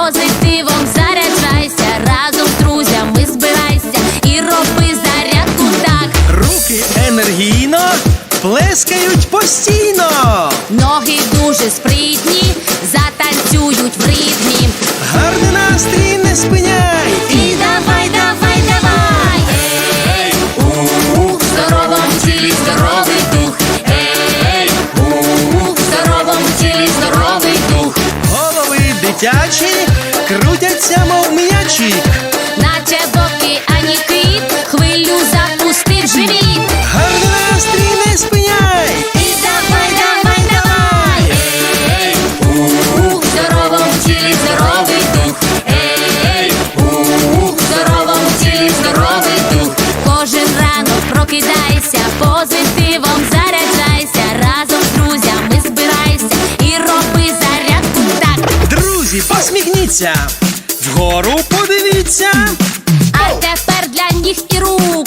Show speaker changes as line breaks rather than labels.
позитивом заряджайся, разом з друзями збирайся і роби зарядку так.
Руки енергійно плескають постійно.
Ноги дуже спритні, затанцюють в ритмі.
Гарний настрій не спиняй.
І давай, давай, давай. Ей, в здоровому тілі здоровий дух. Ей, в здоровому тілі здоровий дух.
Голови дитячі крутяться, мов м'ячі.
Наче в океані кит, хвилю запустив живіт.
Гарний настрій не спиняй.
І давай, давай, давай. Ей, в здоровому тілі здоровий дух. Ей, в здоровому тілі здоровий дух. Кожен ранок прокидайся, позитивом заряджайся, разом з друзями збирайся і роби зарядку так.
Друзі, посміхніться, вгору подивіться.
А тепер для ніг і рук